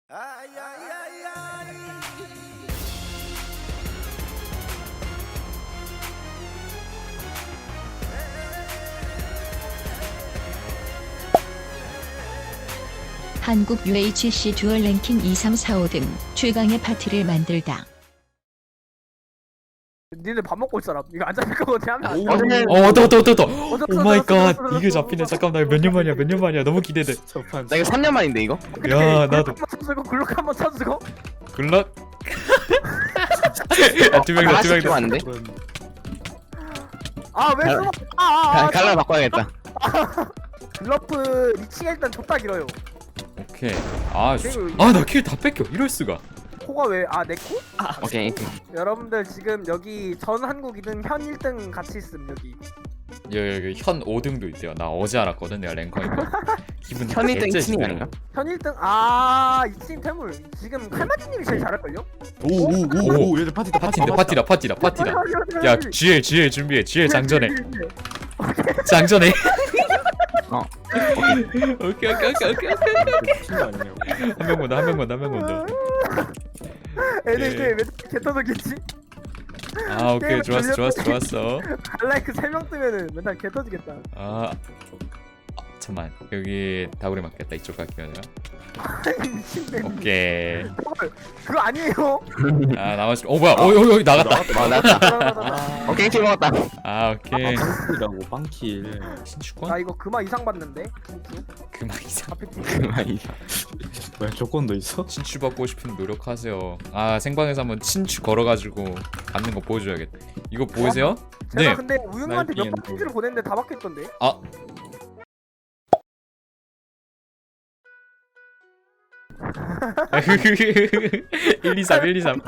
Ay, ay, ay, ay. 한국 UHC 듀얼 랭킹 2, 3, 4, 5 등 최강의 파티를 만들다. 니네 밥 먹고 있어라. 이거 안 잡힐 거거든 하면 안 돼. 왔다. 어졌어, 오 마이 갓. 어졌어, 이게 잡히네. 어졌어. 잠깐만, 나 몇 년 만이야. 너무 기대돼. 나 이거 3년 만인데 이거? 야, 나도. 한번 쳐주고 글록 한번 쳐주고. 글럭. 두 명이다. 하나씩 좀 왔는데? 아왜 숨어? 아. 칼라 바꿔야겠다. 글러프 리치가 일단 좁다 길어요. 오케이. 나 킬 다 뺏겨. 이럴 수가. 코가 왜? 내 코? 오케이. 여러분들 지금 여기 전 한국 2등 현 1등 같이 있음 여기. 여기 현 5등도 있대요. 나 어제 알았거든. 내가 랭커인 거. 기분 현 1등 개째지네. 이친이 아닌가? 현 1등 이팀 태물 지금 칼마지님이 제일 잘할걸요? 오, 얘들 파티다 파티다. 야, GL 준비해. GL 장전해. 장전해. 오케이. 한 명만 더. 애들 이제 왜 개터졌겠지? 오케이. 좋았어. 갈라이크 3명 뜨면은 맨날 개터지겠다. 잠깐만. 여기 다구리 맞겠다. 이쪽 갈게요, 내가. 미친데. 오케이. 그거 아니에요. 나머지. 뭐야? 여기 나갔다. 나왔다. 오케이, 킬 먹었다. 오케이. 빵킬이라고 빵킬. 나 신축권? 이거 그마 이상 받는데. 진짜. 그만 이상. 앞에 팀. 왜 조건도 있어? 친추 받고 싶으면 노력하세요. 생방에서 한번 친추 걸어가지고 받는 거 보여줘야겠다. 이거 보이세요? 제가 네. 근데 우영이한테 몇 날뛰는 번 편지를 보냈는데 다 받겠던데. 아. 1, 2, 3. 1, 2, 3.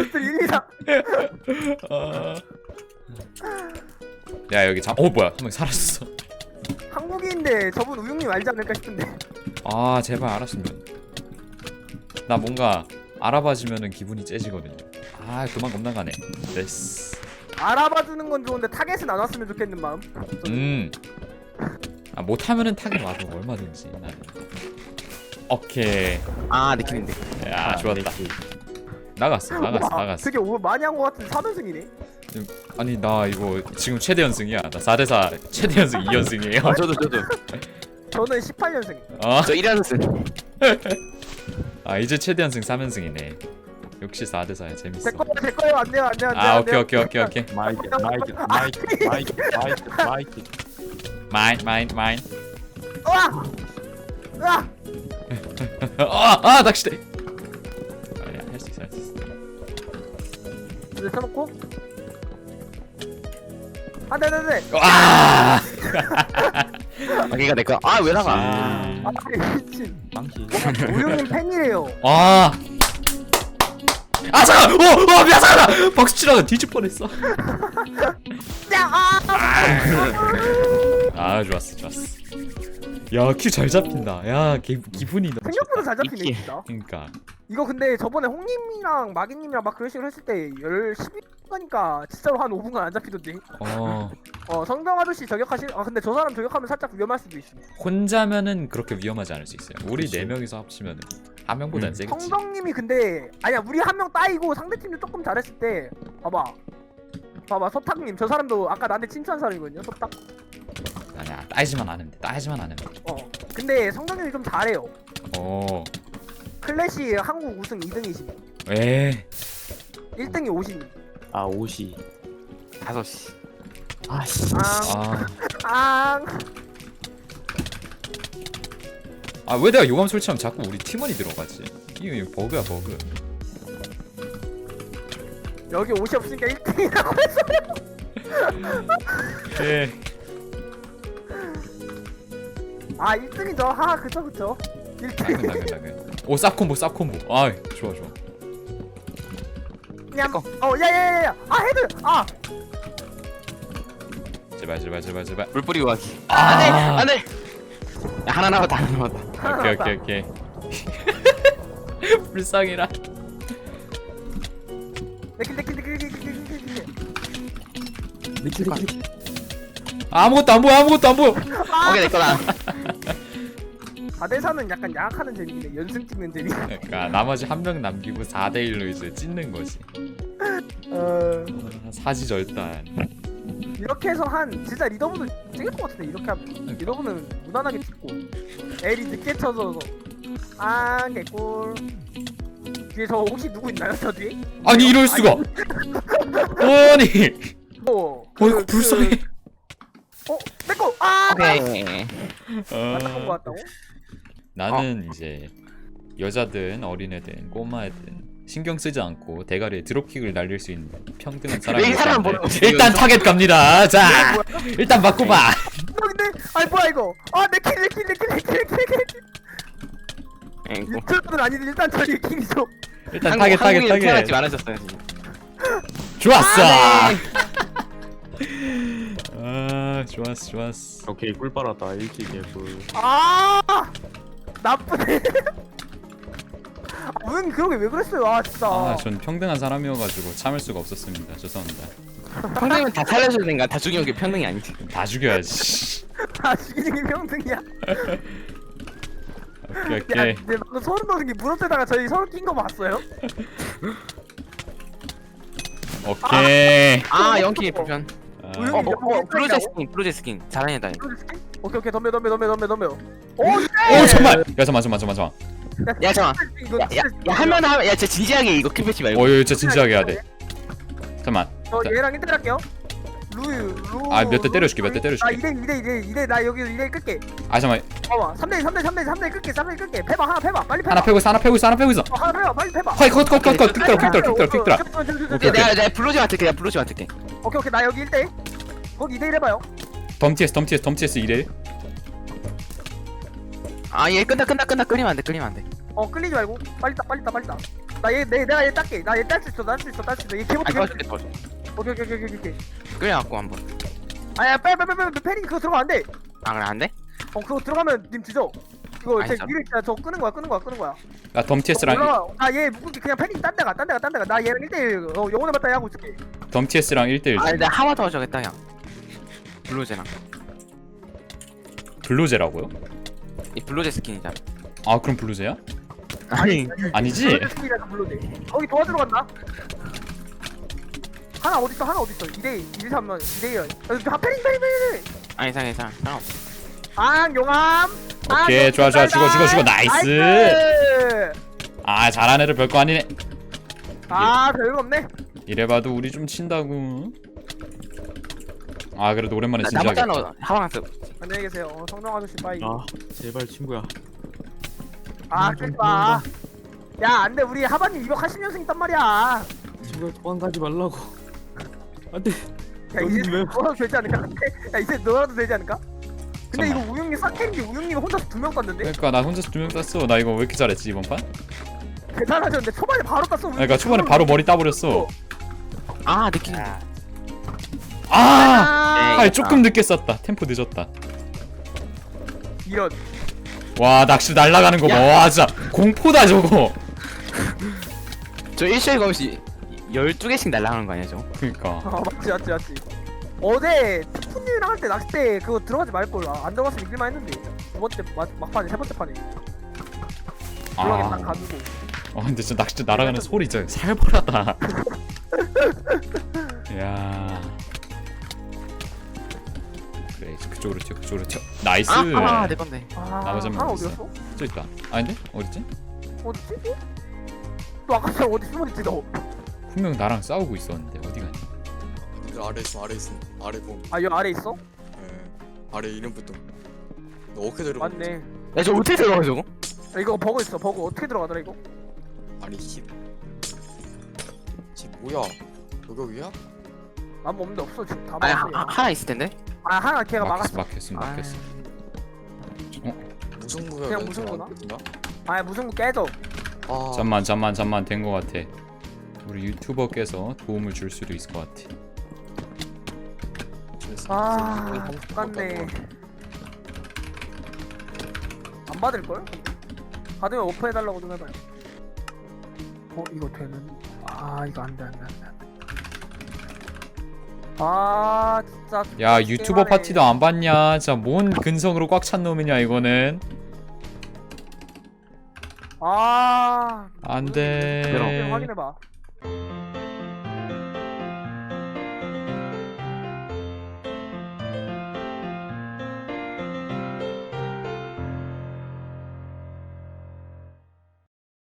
야, 여기 뭐야? 한 명 사라졌어. 한국인인데 저분 우영님 알지 않을까 싶은데. 제발 알았으면. 나 뭔가 알아봐주면은 기분이 째지거든요. 그만 겁나 가네. 됐어. 알아봐주는 건 좋은데 타겟은 안 왔으면 좋겠는 마음. 못하면은 타겟 와도 얼마든지 나는. 오케이. 내 킬인데. 야, 좋았다. 나갔어. 되게 많이 한 거 같은데 4연승이네. 아니, 나 이거 지금 최대 연승이야. 나 4대4 최대 연승 2연승이에요. 저도. 저는 18연승. 저 1연승. 이제 최대 연승 3연승이네. 역시 4대4야. 재밌어. 제 거예요. 안 돼요. 오케이. 마이크. 마인. 으아! 낚시대. 아니야, 할 수 있어. 이제 쳐놓고. 네. 오케이가 내 거. 왜 나가? 미친. 빵킬. 우영님 팬이래요. 잠깐! 미안, 잠깐! 박수 치다가 뒤질 뻔했어. 좋았어. 야, 큐 잘 잡힌다. 야, 기분이 너무 생각보다 잘 잡히네 이게. 진짜. 그러니까. 이거 근데 저번에 홍님이랑 마기님이랑 막 그런 식으로 했을 때 12분가니까 진짜로 한 5분간 안 잡히던데. 성경 아저씨 저격하실. 근데 저 사람 저격하면 살짝 위험할 수도 있어. 혼자면은 그렇게 위험하지 않을 수 있어요. 우리 그치. 4명이서 합치면은 한 명보단 세겠지. 성경님이 근데 아니야 우리 한 명 따이고 상대팀도 조금 잘했을 때 봐봐 서탁님 저 사람도 아까 나한테 칭찬한 사람이거든요. 서탁. 아니야, 따지만 않으면 돼. 근데 성경님이 좀 잘해요. 클래시 한국 우승 2등이시고 에. 1등이 오신. 옷이. 5시. 아씨. 왜 내가 요감 설치하면 자꾸 우리 팀원이 들어가지? 이거 버그야, 버그. 여기 옷이 없으니까 1등이라고 했어요. 예. 1등이죠. 그쵸. 1등. 당근. 쌉콤보. 좋아. 냠. 야야야야. 헤드. 제발. 물 뿌리고 가기. 안돼. 야, 하나 남았다. 오케이. 불쌍해라. 내킬. 아무것도 안 보여. 오케이, 내 거다. 4대4는 약간 양악하는 재미네. 연승 찍는 재미. 그러니까 나머지 한 명 남기고 4대 1로 이제 찢는 거지. 사지절단. 이렇게 해서 한 진짜 리더분을 찍을 것 같은데 이렇게 하면 리더분은 무난하게 찍고 엘이 늦게 쳐서 개꿀. 뒤에 저 혹시 누구 있나요 저 뒤에? 아니 이럴 수가. 아니. 이거 불쌍해. 내꺼. 오케이. 맞다온 거 같다고? 나는 이제 여자든 어린애든 꼬마애든 신경 쓰지 않고 대가리에 드롭킥을 날릴 수 있는 평등한 이 사람 사람이 뭐라고 일단 타겟 갑니다. 자, 일단 바꿔봐. 근데 뭐야 이거? 내킬. 유튜브는 아니지 일단 저기 킹이죠. 일단 타겟. 태어났지 말하셨어요. 좋았어. 네. 좋았어. 오케이 꿀 빨았다 1킬 개꿀. 나쁘네. 그러게 왜 그랬어요? 진짜. 전 평등한 사람이어가지고 참을 수가 없었습니다. 죄송합니다. 평등이면 다 살려줘야 되는가? 다 죽이는 게 평등이 아니지. 다 죽여야지. 죽이는 게 평등이야. 오케이. 근데 방금 소름 돋은 게 무릎에다가 저희 서로 낀 거 봤어요? 오케이. 연키 불편. 프로제 스킨 잘하네 다행. 오케이 덤벼. 오 잠만. 야 잠만. 야 잠깐. 이거 하면 야 진짜 진지하게 이거 킵했지 말고. 진짜 진지하게 해야 돼. 잠만. 저 얘랑 1대 할게요. 루. 몇 대 때려줄게. 2대 나 여기서 2대 끌게. 잠만. 봐봐 3대 끌게. 패봐 빨리 패봐. 하나 패고 있어. 하나 패봐 빨리 패봐. 컷. 오케이. 내가 블루지 맡을게. 오케이 나 여기 1대. 거기 2대1 해봐요. 덤티에스 2대. 얘 끝나 끌리면 안 돼. 끌리지 말고 빨리 따. 내가 얘 딸게. 나 얘 딸 수 있어. 얘 개못해. 오케이. 끌려갖고 한번. 빨리 패링 그거 들어가면 안 돼. 그래 안 돼? 그거 들어가면 님 뒤져. 그거 제 진짜로? 위를 저 끄는 거야. 나 덤티에스랑 얘 묶을게. 그냥 패링 딴 데가. 나 얘랑 1대1 영혼의 맞다이 하고 있을게. 덤티에스랑 1대1. 내가 하마 더 하자겠다 야. 블루제랑. 블루제라고요? 이 블루제 스킨이잖아. 그럼 블루제야? 아니. 아니지? 거기 도와주러 간다. 하나 어딨어? 2대2 2대3만 2대2야. 패링. 괜찮아. 용암. 오케이 좋아 죽어 나이스. 잘하는 애들 별거 아니네. 별거 없네. 이래봐도 우리 좀 친다고. 그래도 오랜만에 나 진지하게 맞잖아. 하방스. 안녕히 계세요. 성령 아저씨 빠이. 제발 친구야. 끌까. 야 안돼 우리 하반님 280년생 있단 말이야. 친구야 도망가지 말라고. 안돼. 야 이제 왜? 너라도 되지 않을까? 야 이제 너라도 되지 않을까? 근데 잠깐만. 이거 우영님 사케인지 우영님이 혼자서 2명 땄는데? 그러니까 나 혼자서 2명 땄어. 나 이거 왜 이렇게 잘했지 이번 판? 대단하셨는데 초반에 바로 땄어 우영님. 그러니까 초반에 바로 머리 따버렸어. 느낌. 조금 늦게 쐈다. 템포 늦었다. 이런. 와 낚시 날아가는 거 봐. 와 진짜 공포다 저거. 저 일주일 검시 12개씩 날라가는 거 아니야 저거? 그러니까. 맞지. 어제 푸님이랑 할 때 낚싯대 그거 들어가지 말걸. 안 들어갔으면 이길만 했는데. 두 번째 막판에 세 번째 판에. 들어가겠다 가지고. 근데 진짜 낚시 날아가는 소리 진짜 살벌하다. 야. 그래 그쪽으로 튀어. 나이스. 내 건데. 나머지 한 명 하나 어딨어? 어디였어? 저 있다. 아닌데? 어딨지? 어디지? 또 아까 전에 어디 숨어있지 너? 분명 나랑 싸우고 있었는데 어디 갔니? 아래 있어. 아래 봄. 여기 아래 있어? 아래 이름부터. 너 어떻게 들어? 맞네. 야 저 어떻게 들어가 저거? 이거 버그 있어. 버그 어떻게 들어가더라 이거? 아니 집 뭐야? 여기야? 아무 없는데 없어 지금 다 아니 막았어. 하나 있을 텐데. 하나 걔가 막았어. 막혔어. 무승부야. 그냥 무승부나? 멘트나? 무슨 거 깨져. 잠만 된 거 같아. 우리 유튜버께서 도움을 줄 수도 있을 것 같아. 똑같네. 안 받을걸? 받으면 오퍼해달라고 좀 해봐요. 이거 되는. 이거 안돼. 진짜. 야 유튜버 파티도 안 봤냐? 진짜 뭔 근성으로 꽉 찬 놈이냐 이거는. 아. 안돼. 확인해봐.